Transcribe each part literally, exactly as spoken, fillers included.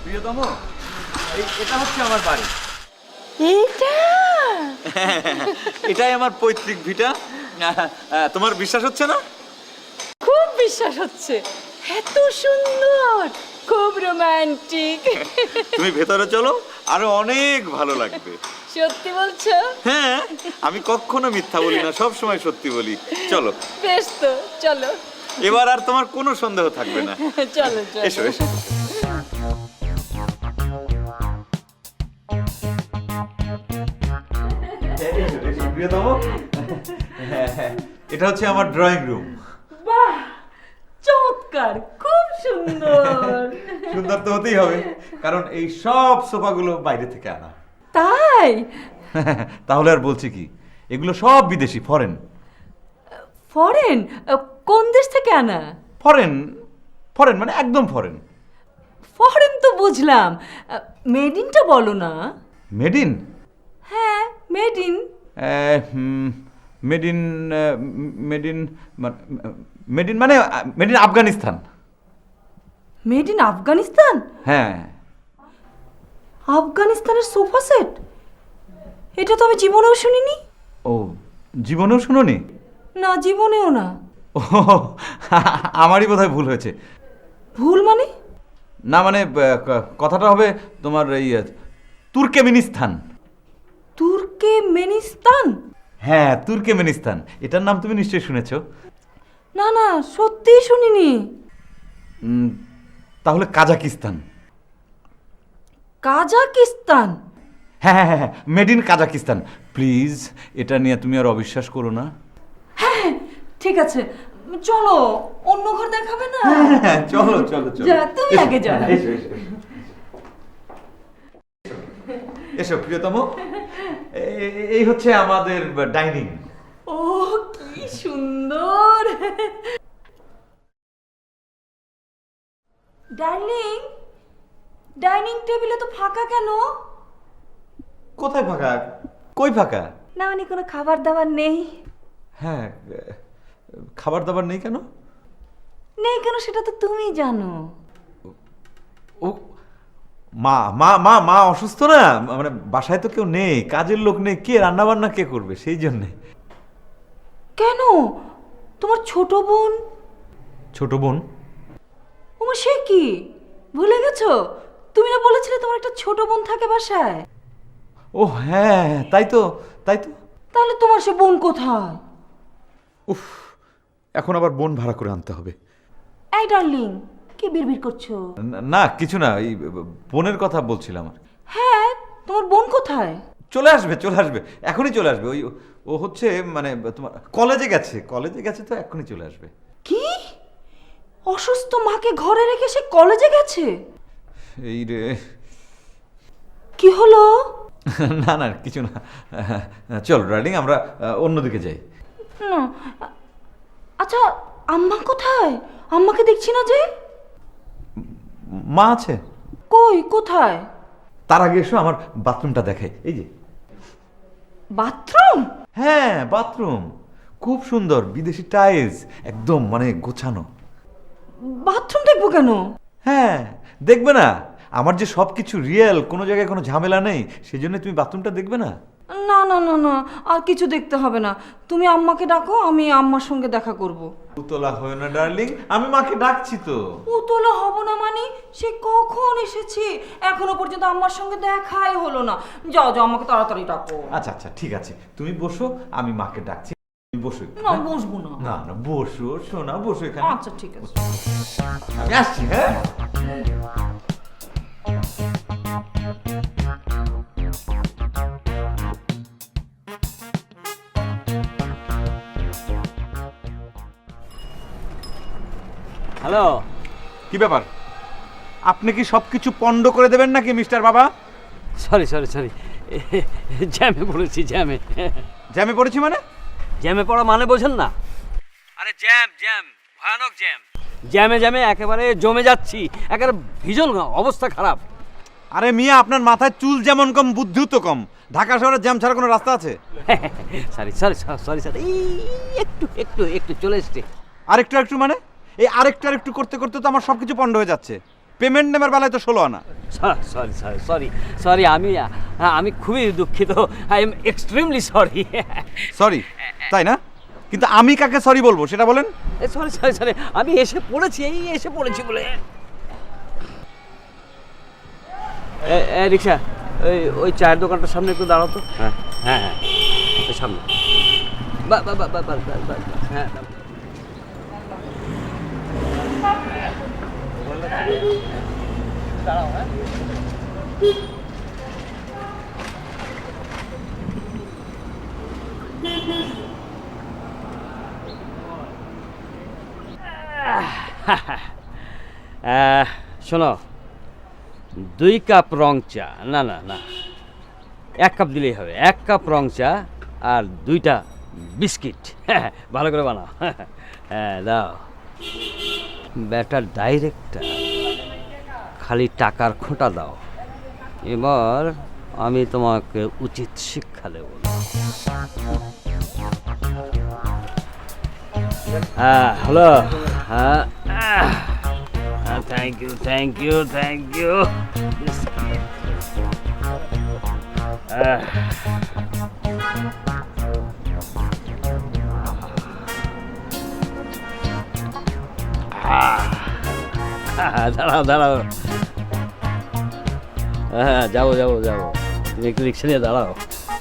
প্রিয়তম, এটা হচ্ছে আমার বাড়ি। এটা এটাই আমার পৈতৃক ভিটা। তোমার বিশ্বাস হচ্ছে না? খুব বিশ্বাস হচ্ছে, এত সুন্দর, খুব রোমান্টিক। তুমি ভেতরে চলো, আরো অনেক ভালো লাগবে। সত্যি বলছো? হ্যাঁ, আমি কখনো মিথ্যা বলি না, সব সময় সত্যি বলি। চলো। বেশ তো, চলো। এবার আর তোমার কোনো সন্দেহ থাকবে না। চলো চলো। এসো এসো। প্রিয়তম, এটা হচ্ছে আমার ড্রয়িং রুম। বাহ, চমৎকার, খুব সুন্দর। সুন্দর তো হতেই হবে, কারণ এই সব সোফাগুলো বাইরে থেকে আনা। তাই? তাহলে আর বলছি কি, এগুলো সব বিদেশি, ফরেন। ফরেন? কোন দেশ থেকে আনা? ফরেন ফরেন মানে একদম ফরেন। ফরেন তো বুঝলাম, মেড ইনটা বলো না। Made in? হ্যাঁ, made in. Made in made in made in মানে made in Afghanistan. Made in Afghanistan? হ্যাঁ। আফগানিস্তানের সোফা সেট? এটা তো আমি জীবনেও শুনিনি। ও, জীবনেও শুনোনি? না, জীবনেও না। ও, আমারই বোধহয় ভুল হয়েছে। ভুল মানে? না মানে ক- কথাটা হবে তোমার এই তুর্কমেনিস্তান। তুর্কমেনিস্তান? হ্যাঁ, তুর্কমেনিস্তান। এটার নাম তুমি নিশ্চয়ই শুনেছো। না না, সত্যিই শুনিনি। উম, তাহলে কাজাকিস্তান। কাজাকিস্তান? হ্যাঁ হ্যাঁ হ্যাঁ, মেড ইন কাজাকিস্তান। প্লিজ, এটা নিয়ে তুমি আর অবিশ্বাস করো না। হ্যাঁ, ঠিক আছে, চলো। অন্য ঘর দেখাবে না? হ্যাঁ, চলো চলো চলো। যা, তুমি আগে যাও। এসো এসো এসো। এসো প্রিয়তম, এ- এ- এই হচ্ছে আমাদের ডাইনিং। ও, কি সুন্দর। ডার্লিং, ডাইনিং টেবিলে তো ফাঁকা কেন? কোথায় ফাঁকা? কই ফাঁকা? না মানে কোনো খাবার দাবার নেই? হ্যাঁ, খাবার দাবার নেই কেন? নেই কেন সেটা তো তুমি জানো। ও, মা মা মা মা অসুস্থ না, মানে বাসায় তো কেউ নেই, কাজের লোক নেই, কে রান্না বান্না কে করবে, সেই জন্যে। কেন, তোমার ছোট বোন? ছোট বোন? ওমা, সে কি, ভুলে গেছো? তুমি না বলেছিলে তোমার একটা ছোট বোন থাকে বাসায়? ও হ্যাঁ, তাই তো তাই তো। তাহলে তোমার সে বোন কোথায়? উফ, এখন আবার বোন ভাড়া করে আনতে হবে। এই ডার্লিং, কি বিড়বিড় করছো? না- না কিছু না, এই বোনের কথা বলছিলাম। হ্যাঁ, তোমার বোন কোথায়? চলে আসবে চলে আসবে, এখনই চলে আসবে। ওই ও হচ্ছে মানে তোমার কলেজে গেছে, কলেজে গেছে তো এখনই চলে আসবে। কি, অসুস্থ মাকে ঘরে রেখে সে কলেজে গেছে? এই রে। কি হলো? না না কিছু না, চল ডার্লিং, আমরা অন্যদিকে যাই। না, আচ্ছা, আম্মা কোথায়? আম্মাকে দেখছি না যে। মা আছে। কই, কোথায়? তার আগে এসো, আমার বাথরুমটা দেখাই। এই যে বাথরুম? হ্যাঁ, বাথরুম খুব সুন্দর, বিদেশি টাইলস, একদম মানে গোছানো। বাথরুম দেখবো কেন? হ্যাঁ, দেখবে না? আমার যে সব কিছু রিয়েল, কোনো জায়গায় কোনো ঝামেলা নেই, সেই জন্য তুমি বাথরুমটা দেখবে না? না না না না, আর কিছু দেখতে হবে না। তুমি আম্মাকে ডাকো, আমি আম্মার সঙ্গে দেখা করব। উতলা হয় না ডার্লিং, আমি মাকে ডাকছি তো। উতলা হব না মানে? সে কখন এসেছি, এখনো পর্যন্ত আম্মার সঙ্গে দেখাই হলো না। যাও যাও, আমাকে তাড়াতাড়ি ডাকো। আচ্ছা আচ্ছা ঠিক আছে, তুমি বসো, আমি মাকে ডাকছি। তুমি বসো একটু, না, হ্যাঁ? বসবো না। না না, বসো শোনা, বসো এখানে। আচ্ছা ঠিক আছে। আমি আসছি। হ্যাঁ, হ্যালো। কি ব্যাপার? আপনি কি সবকিছু পণ্ড করে দেবেন নাকি মিস্টার বাবা? সরি সরি সরি, জ্যামে পড়েছি, জ্যামে। জ্যামে পড়েছি মানে? জ্যামে পড়া মানে বোঝেন না? আরে জ্যাম জ্যাম, ভয়ানক জ্যাম। জ্যামে জ্যামে একেবারে জমে যাচ্ছি, একেবারে ভীষণ অবস্থা খারাপ। আরে মিয়া, আপনার মাথায় চুল যেমন কম, বুদ্ধিও তো কম। ঢাকা শহরে জ্যাম ছাড়া কোনো রাস্তা আছে? সরি সরি সরি সরি, একটু একটু একটু চলে এসছে। আরেকটু একটু মানে? এই আরেকটু আরেকটু করতে করতে তো আমার সবকিছু পণ্ড হয়ে যাচ্ছে। পেমেন্ট নেবার বেলায় তো ষোলো আনা। সরি সরি সরি সরি আমি আমি খুবই দুঃখিত, I am extremely sorry. Sorry তাই না? কিন্তু আমি কাকে সরি বলবো সেটা বলেন। সরি সরি সরি আমি এসে পড়েছি, এই এসে পড়েছি বলে। এ রিক্সা, ওই ওই চায়ের দোকানটার সামনে একটু দাঁড়াও তো। হ্যাঁ হ্যাঁ হ্যাঁ ওই সামনে। বা বা বা বা বা হ্যাঁ দাঁড়াও। হ্যাঁ শোনো, দুই কাপ রং চা, না না না এক কাপ দিলেই হবে, এক কাপ রং চা আর দুইটা বিস্কিট। হ্যাঁ ভালো করে বানাও। হ্যাঁ দাও। ব্যাটার ডাইরেক্টর, খালি টাকার খোঁটা দাও, এবার আমি তোমাকে উচিত শিক্ষা দেব। হ্যাঁ হ্যালো, হ্যাঁ thank you thank you thank you. দাঁড়াও দাঁড়াও, হ্যাঁ যাবো যাবো যাবো, তুমি একটু রিক্সা নিয়ে দাঁড়াও।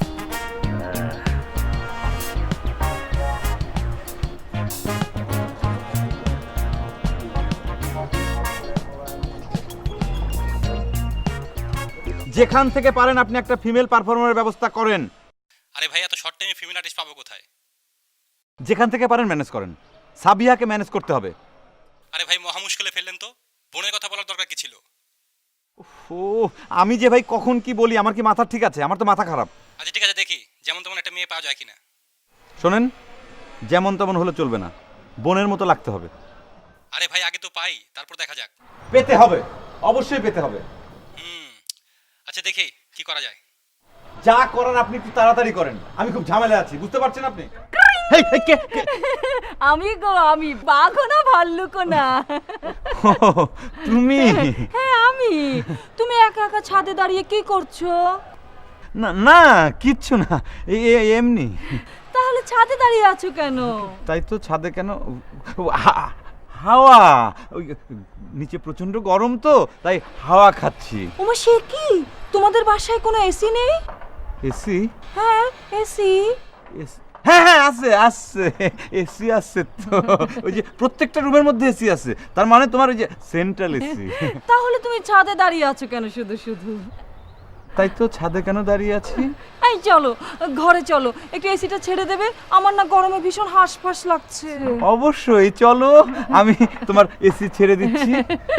যেখান থেকে পারেন আপনি একটা ফিমেল পারফর্মারের ব্যবস্থা করেন। আরে ভাই এত শর্ট টাইমে ফিমেল আর্টিস্ট পাবো কোথায়? যেখান থেকে পারেন ম্যানেজ করেন। সাবিহাকে ম্যানেজ করতে হবে। আরে ভাই মহা মুশকিলে ফেললেন তো, বোনের কথা বলার দরকার কি ছিল? ও আমি যে ভাই কখন কি বলি, আমার কি মাথা ঠিক আছে? আমার তো মাথা খারাপ। আচ্ছা ঠিক আছে, দেখি যেমন তেমন একটা মেয়ে পাওয়া যায় কিনা। শোনেন, যেমন তেমন হলে চলবে না, বোনের মতো লাগতে হবে। আরে ভাই আগে তো পাই, তারপর দেখা যাক। পেতে হবে, অবশ্যই পেতে হবে। হুম আচ্ছা দেখি কি করা যায়। যা করার আপনি একটু তাড়াতাড়ি করেন, আমি খুব ঝামেলায় আছি, বুঝতে পারছেন আপনি? হেই, হেই, কে, কে? আমি গো, আমি বাঘও না ভাল্লুকও না। ও, তুমি? হ্যাঁ আমি। তুমি একা একা ছাদে দাঁড়িয়ে কি করছো? না না কিচ্ছু না, এই এই, এমনি। তাহলে ছাদে দাঁড়িয়ে আছো কেন? তাই তো, ছাদে কেন? ও, হা- হাওয়া, ওই নিচে প্রচন্ড গরম তো, তাই হাওয়া খাচ্ছি। ওমা সে কি, তোমাদের বাসায় কোনো এসি নেই? এসি? হ্যাঁ এসি। হ্যাঁ হ্যাঁ আছে আছে, এসি আছে তো, ওই যে প্রত্যেকটা রুমের মধ্যে এসি আছে, তার মানে তোমার ওই যে সেন্ট্রাল এসি। তাহলে তুমি ছাদে দাঁড়িয়ে আছো কেন শুধু শুধু? তাই তো, ছাদে কেন দাঁড়িয়ে আছি? এই চলো ঘরে চলো, একটু এসিটা ছেড়ে দেবে, আমার না গরমে ভীষণ হাঁসফাঁস লাগছে। অবশ্যই চলো, আমি তোমার এসি ছেড়ে দিচ্ছি।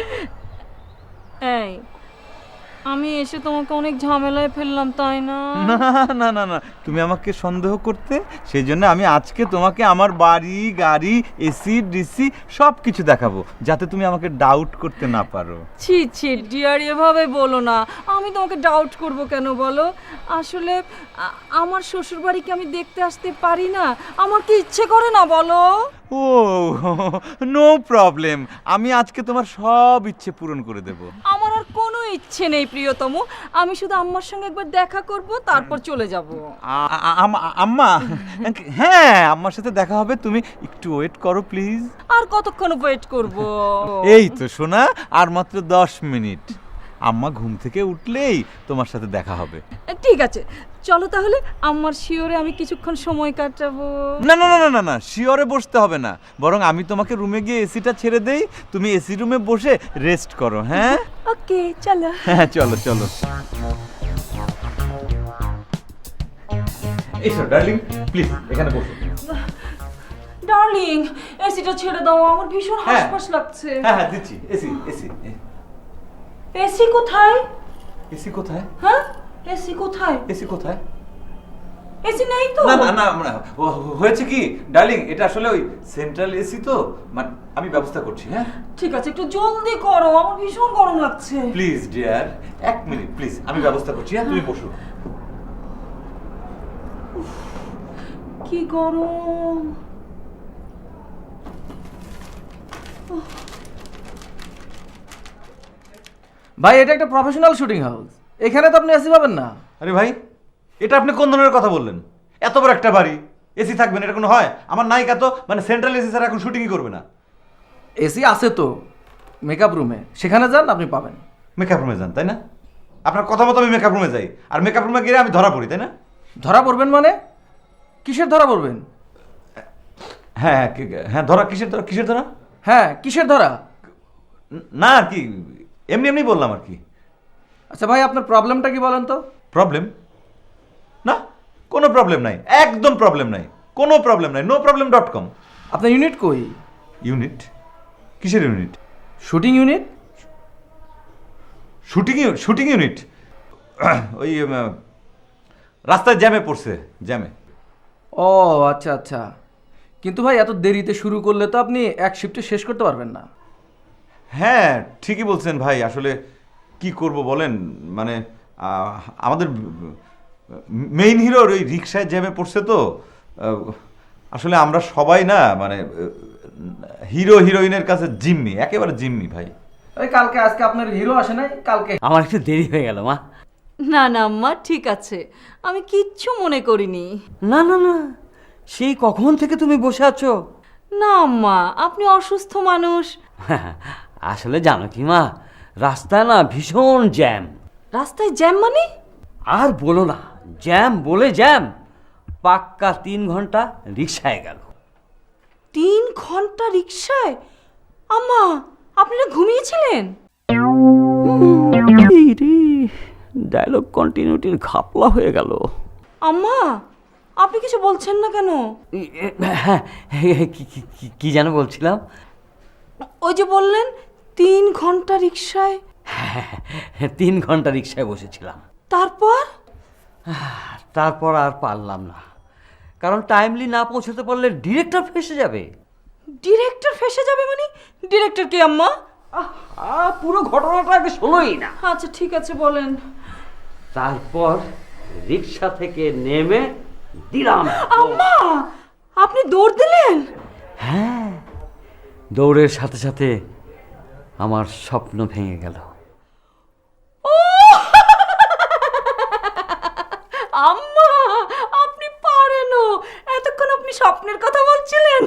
এই আমি এসে তোমাকে অনেক ঝামেলায় ফেললাম তাই না? না না না না, তুমি আমাকে সন্দেহ করতে, সেই জন্য আমি আজকে তোমাকে আমার বাড়ি গাড়ি এসি ডিসি সব কিছু দেখাবো, যাতে তুমি আমাকে ডাউট করতে না পারো। ছি ছি ডিয়ার, এভাবে বলো না, আমি তোমাকে ডাউট করব কেন বলো? আসলে আ- আমার শ্বশুর বাড়িকে আমি দেখতে আসতে পারি না, আমার কি ইচ্ছে করে না বলো? ও নো প্রবলেম, আমি আজকে তোমার সব ইচ্ছে পূরণ করে দেব। আমার আর কোনো ইচ্ছে নেই প্রিয়তম, আমি শুধু আম্মার সঙ্গে একবার দেখা করব, তারপর চলে যাব। আ- আ- আম- আম্মা, হ্যাঁ আম্মার সাথে দেখা হবে, তুমি একটু ওয়েট করো প্লিজ। আর কতক্ষণ ওয়েট করব? এই তো শোনা, আর মাত্র দশ মিনিট, আম্মা ঘুম থেকে উঠলেই তোমার সাথে দেখা হবে। ঠিক আছে চলো তাহলে, আম্মার শিওরে আমি কিছুক্ষণ সময় কাটাবো। না না না না না না, শিওরে বসতে হবে না, বরং আমি তোমাকে রুমে গিয়ে এসিটা ছেড়ে দেই, তুমি এসি রুমে বসে রেস্ট করো। হ্যাঁ ওকে চলো। হ্যাঁ চলো চলো। এসো ডার্লিং, প্লিজ এখানে বসো। ডার্লিং এসিটা ছেড়ে দাও, আমার ভীষণ হ্যাঁ। হাঁসফাঁস লাগছে। হ্যাঁ হ্যাঁ দিচ্ছি, এসি এসি এসি কোথায়? এসি কোথায়? হ্যাঁ এসি কোথায়? এসি কোথায়? এসি নেই তো। না না না না, ও- হয়েছে কি ডার্লিং, এটা আসলে ওই সেন্ট্রাল এসি তো, মানে আমি ব্যবস্থা করছি। হ্যাঁ ঠিক আছে একটু জলদি করো, আমার ভীষণ গরম লাগছে। প্লিজ ডিয়ার, এক মিনিট প্লিজ, আমি ব্যবস্থা করছি। হ্যাঁ তুমি বসো। কি গরম। ভাই এটা একটা প্রফেশনাল শুটিং হাউস, এখানে তো আপনি এসি পাবেন না। আরে ভাই, এটা আপনি কোন ধরনের কথা বললেন? এত বড় একটা বাড়ি, এসি থাকবে না এটা কোনো হয়? আমার নায়িকা তো মানে সেন্ট্রাল এসি ছাড়া এখন শুটিংই করবে না। এসি আছে তো মেকআপ রুমে, সেখানে যান আপনি পাবেন। মেকআপ রুমে যান তাই না? আপনার কথা মতো আমি মেকআপ রুমে যাই, আর মেকআপ রুমে গিয়ে আমি ধরা পড়ি তাই না? ধরা পড়বেন মানে? কিসের ধরা পড়বেন? হ্যাঁ হ্যাঁ কি- হ্যাঁ ধরা কিসের ধরা কিসের ধরা? হ্যাঁ কিসের ধরা? না আর কি, এমনি এমনি বললাম আর কি। আচ্ছা ভাই আপনার প্রবলেমটা কি বলেন তো? প্রবলেম? না, কোনো প্রবলেম নাই, একদম প্রবলেম নাই, কোনো প্রবলেম নাই, নো প্রবলেম ডট কম। আপনার ইউনিট কই? ইউনিট? কিসের unit? Shooting unit? Shooting shooting unit ওই উম, রাস্তায় জ্যামে পড়ছে, জ্যামে। ও আচ্ছা আচ্ছা, কিন্তু ভাই এত দেরিতে শুরু করলে তো আপনি এক শিফটে শেষ করতে পারবেন না। হ্যাঁ ঠিকই বলছেন ভাই, আসলে কি করব বলেন, মানে আহ, আমাদের মেইন হিরোর ওই রিক্সায় জ্যামে পড়ছে তো। আহ, আসলে আমরা সবাই না মানে হিরো হিরোইনের কাছে জিম্মি, একেবারে জিম্মি ভাই। ওই কালকে আজকে আপনার হিরো আসে নাই, কালকে আমার একটু দেরি হয়ে গেল মা। না না আম্মা ঠিক আছে, আমি কিচ্ছু মনে করিনি। না না না, সেই কখন থেকে তুমি বসে আছো? না আম্মা, আপনি অসুস্থ মানুষ। আসলে জানো কি মা, রাস্তায় না ভীষণ জ্যাম। রাস্তায় জ্যাম মানে? আর বলো না, জ্যাম বলে জ্যাম, পাক্কা তিন ঘন্টা রিক্সায় গেল। তিন ঘন্টা রিক্সায়? আম্মা আপনি না ঘুমিয়েছিলেন? ডায়লগ কন্টিনিউটির ঘাপলা হয়ে গেল। আম্মা আপনি কিছু বলছেন না কেন? হ্যাঁ, কি- কি- কি- কি যেন বলছিলাম? ওই যে বললেন তিন ঘন্টা রিক্সায়, তিন ঘন্টা রিক্সায় বসেছিলাম, তারপর? তারপর আর পারলাম না, কারণ টাইমলি না পৌঁছাতে পারলে ডিরেক্টর ফেসে যাবে। ডিরেক্টর ফেসে যাবে মানে? ডিরেক্টর কে আম্মা? আহ, পুরো ঘটনাটা আগে শোনোই না। আচ্ছা ঠিক আছে বলেন। তারপর রিক্সা থেকে নেমে দিলাম। আম্মা আপনি দৌড় দিলেন? হ্যাঁ, দৌড়ের সাথে সাথে আমার স্বপ্ন ভেঙে গেল। আম্মা আপনি পারেনও, এতক্ষণ আপনি স্বপ্নের কথা বলছিলেন।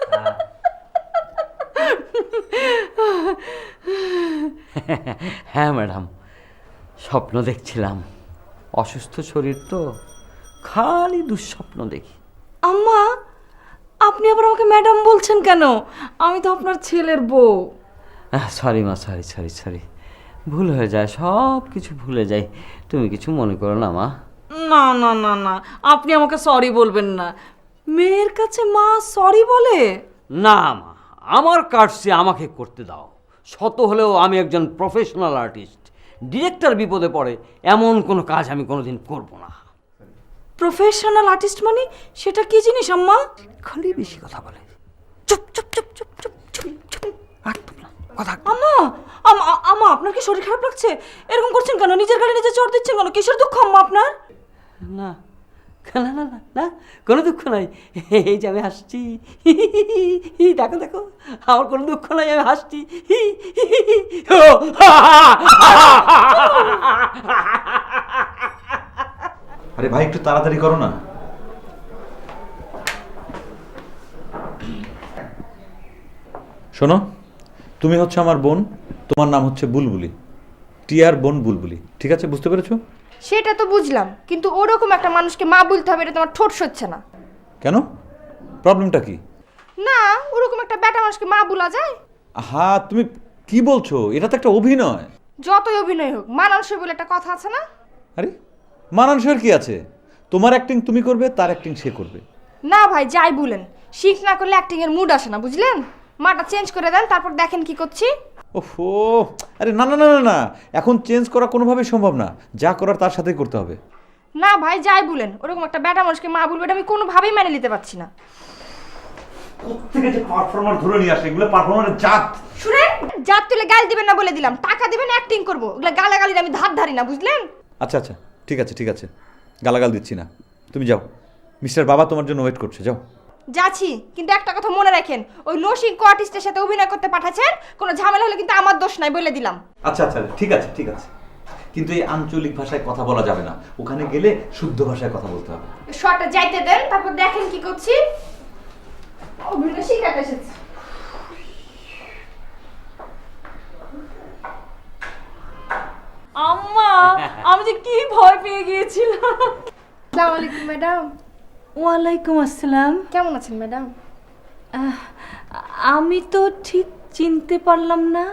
হ্যাঁ ম্যাডাম, স্বপ্ন দেখছিলাম। অসুস্থ শরীর তো, খালি দুঃস্বপ্ন দেখি। আম্মা আপনি আবার আমাকে ম্যাডাম বলছেন কেন? আমি তো আপনার ছেলের বউ। সরি মা, সরি সরি সরি, ভুল হয়ে যায়, সব কিছু ভুলে যাই। তুমি কিছু মনে করো না মা। না না না না, আপনি আমাকে সরি বলবেন না। মেয়ের কাছে মা সরি বলে? না মা, আমার কাজটি আমাকে করতে দাও। শত হলেও আমি একজন প্রফেশনাল আর্টিস্ট। ডিরেক্টর বিপদে পড়ে এমন কোনো কাজ আমি কোনোদিন করব না। প্রফেশনাল আর্টিস্ট মানে সেটা কি জিনিস আম্মা? খালি বেশি কথা বলে। চুপ চুপ চুপ চুপ চুপ চুপ চুপ, একদম না কথা। আম্মা আম্মা আম্মা আপনার কি শরীর খারাপ লাগছে? এরকম করছেন কেন? নিজের গাড়ি নিজে চড় দিচ্ছেন কেন? কিসের দুঃখ আম্মা আপনার? না না না না না, কোনো দুঃখ নাই, এই যে আমি হাসছি, দেখো দেখো, আমার কোনো দুঃখ নাই, আমি হাসছি। আরে ভাই একটু তাড়াতাড়ি করো না। শোনো, তুমি হচ্ছে আমার বোন, তোমার নাম হচ্ছে বুলবুলি, টিয়ার বোন বুলবুলি, ঠিক আছে? বুঝতে পেরেছো? সেটা তো বুঝলাম, কিন্তু ওরকম একটা মানুষকে মা বলতে হবে এটা তোমার ঠোঁট সচ্ছে না। কেন? প্রবলেমটা কি? না, ওরকম একটা ব্যাটা মানুষকে মা বলা যায়? হ্যাঁ তুমি কি বলছো? এটা তো একটা অভিনয়। যতই অভিনয় হোক, মানানসই বলে একটা কথা আছে না? আরে মানানসইয়ের কি আছে? তোমার অ্যাক্টিং তুমি করবে, তার অ্যাক্টিং সে করবে। না ভাই, যাই বলেন, শিখ না করলে অ্যাক্টিং এর মুড আসে না, বুঝলেন? মাটা চেঞ্জ করে দেন, তারপর দেখেন কি করছি। ওহো, আরে না না না না না, এখন চেঞ্জ করা কোনোভাবেই সম্ভব না, যা করার তার সাথেই করতে হবে। না ভাই, যাই বলেন, ওরকম একটা ব্যাটা মানুষকে মা বলবে এটা আমি কোনোভাবেই মেনে নিতে পারছি না। কোত্থেকে যে পারফর্মার ধরে নিয়ে আসে, এগুলো পারফর্মারের জাত। শুনেন, জাত তুলে গাল দিবেন না বলে দিলাম, টাকা দিবেন অ্যাক্টিং করবো, ওগুলো গালাগালির আমি ধার ধারি না, বুঝলেন? আচ্ছা আচ্ছা ঠিক আছে ঠিক আছে, গালাগাল দিচ্ছি না, তুমি যাও, মিস্টার বাবা তোমার জন্য ওয়েট করছে, যাও। যাচ্ছি, কিন্তু একটা কথা মনে রাখেন, ওই নসিংক আর্টিস্টের সাথে অভিনয় করতে পাঠাচ্ছেন, কোনো ঝামেলা হলে কিন্তু আমার দোষ নাই বলে দিলাম। আচ্ছা আচ্ছা ঠিক আছে ঠিক আছে, কিন্তু এই আঞ্চলিক ভাষায় কথা বলা যাবে না, ওখানে গেলে শুদ্ধ ভাষায় কথা বলতে হবে। শর্টটা যাইতে দেন, তারপর দেখেন কি করছি। অভিনয় শিখাতে এসেছি। আম্মা, আমি যে কি ভয় পেয়ে গিয়েছিলাম। আসসালামু আলাইকুম ম্যাডাম। ওয়ালাইকুম আসসালাম। কেমন আছেন ম্যাডাম? আহ, আমি তো ঠিক চিনতে পারলাম না।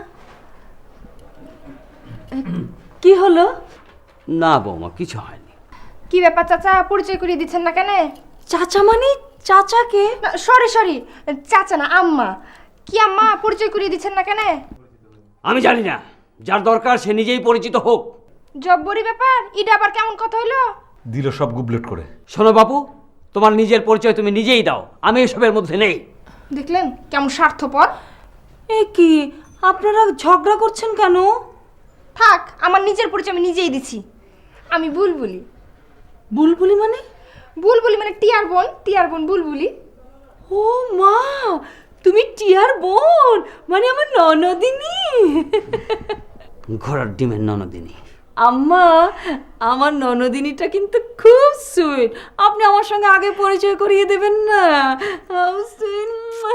আহ, কি হলো? না বৌমা, কিছু হয়নি। কি ব্যাপার চাচা, পরিচয় করিয়ে দিচ্ছেন না কেন? চাচা মানে চাচাকে? সরি সরি, চাচা না, আম্মা। কি আম্মা, পরিচয় করিয়ে দিচ্ছেন না কেন? আমি জানি না, যার দরকার সে নিজেই পরিচিত হোক। জব্বরি ব্যাপার, এটা আবার কেমন কথা হলো? দিল সব গুবলেট করে। শোনো বাপু, তোমার নিজের পরিচয় তুমি নিজেই দাও, আমি এসবের মধ্যে নেই। দেখলেন কেমন স্বার্থপর। এ কি, আপনারা ঝগড়া করছেন কেন? থাক, আমার নিজের পরিচয় আমি নিজেই দিচ্ছি। আমি বুলবুলি। বুলবুলি মানে? বুলবুলি মানে টিয়ার বোন, টিয়ার বোন বুলবুলি। ও মা, তুমি টিয়ার বোন, মানে আমার ননদিনী। ঘোড়ার ডিমের ননদিনী। আম্মা, আমার ননদিনীটা কিন্তু খুব সুইট। আপনি আমার সঙ্গে আগে পরিচয় করিয়ে দেবেন না? How sweet.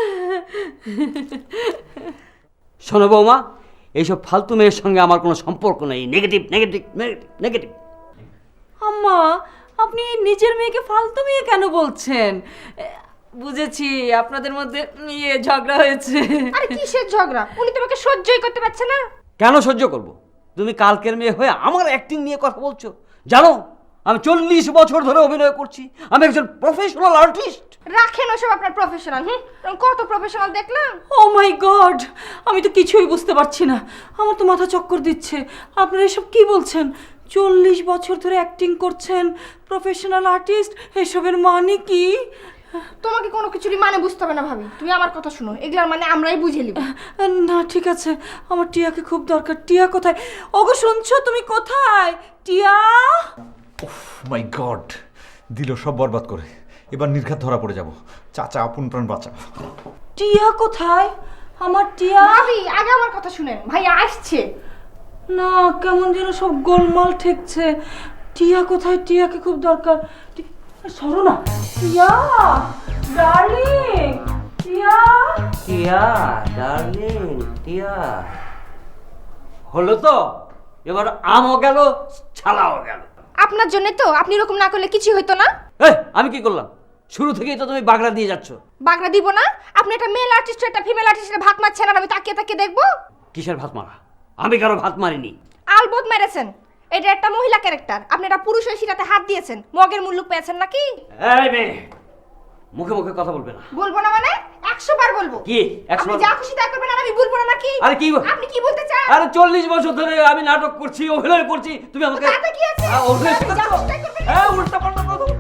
শোনো বৌমা, এইসব ফালতু মেয়ের সঙ্গে আমার কোনো সম্পর্ক নেই। Negative negative negative negative. আম্মা, আপনি নিজের মেয়েকে ফালতু মেয়ে কেন বলছেন? এ, বুঝেছি, আপনাদের মধ্যে ইয়ে ঝগড়া হয়েছে। আরে কিসের ঝগড়া? উনি তোমাকে সহ্যই করতে পারছে না। কেন সহ্য করব? তুমি কালকের মেয়ে হয়ে আমার অ্যাক্টিং নিয়ে কথা বলছো। জানো, আমি চল্লিশ বছর ধরে অভিনয় করছি, আমি একজন প্রফেশনাল আর্টিস্ট। রাখেন ওসব আপনার প্রফেশনাল। হুম, কত প্রফেশনাল দেখলাম। ও মাই গড, আমি তো কিছুই বুঝতে পারছি না, আমার তো মাথা চক্কর দিচ্ছে। আপনারা এসব কি বলছেন? চল্লিশ বছর ধরে অ্যাক্টিং করছেন, প্রফেশনাল আর্টিস্ট, এসবের মানে কি? তোমাকে কোনো কিছুরই মানে বুঝতে হবে না ভাবি, তুমি আমার কথা শুনো, এগুলার মানে আমরাই বুঝে নিব। না ঠিক আছে, আমার টিয়াকে খুব দরকার। টিয়া কোথায়? ওগো শুনছো, তুমি কোথায়? টিয়া, মাই গড, দিল সব বরবাদ করে। এবার নির্ঘাত ধরা পড়ে যাব। চাচা, আপন প্রাণ বাঁচা। টিয়া কোথায়? আমার টিয়া। ভাবি আগে আমার কথা শুনেন, ভাই আসছে। না, কেমন যেন সব গোলমাল ঠেকছে। টিয়া কোথায়? টিয়াকে খুব দরকার। টি- সরো না টিয়া, ডার্লিং টিয়া। টিয়া ডার্লিং, টিয়া। হলো তো, এবার আমও গেল, ছালাও গেল। আপনার জন্য তো, আপনি এরকম না করলে কিছু হইতো না। এই, আমি কি করলাম? শুরু থেকেই তো তুমি বাগড়া দিয়ে যাচ্ছ। বাগড়া দিব না? আপনি একটা মেল আর্টিস্ট, একটা ফিমেল আর্টিস্টের ভাত মারছেন, আর আমি তাকিয়ে তাকিয়ে দেখবো? কিসের ভাত মারা? আমি কারো ভাত মারিনি। আলবত মেরেছেন। এটা একটা মহিলা ক্যারেক্টার, আপনি একটা পুরুষ হয়ে সেটাতে হাত দিয়েছেন, মগের মূল্য পেয়েছেন নাকি? এই মেয়ে, মুখে মুখে কথা বলবে না। বলবো না মানে একশো বার বলবো। কি একশো আপনি বার? যা খুশি তাই করবেন, আর আমি বলবো না নাকি? আরে কি বল- আপনি কি বলতে চান? আরে চল্লিশ বছর ধরে আমি নাটক করছি, অভিনয় করছি, তুমি আমাকে তাতে কি আছে? আ, অভিনয় আপনি যা শেখাচ্ছ? খুশি তাই করবেন। হ্যাঁ, উল্টা পাল্টা কথা বলছো।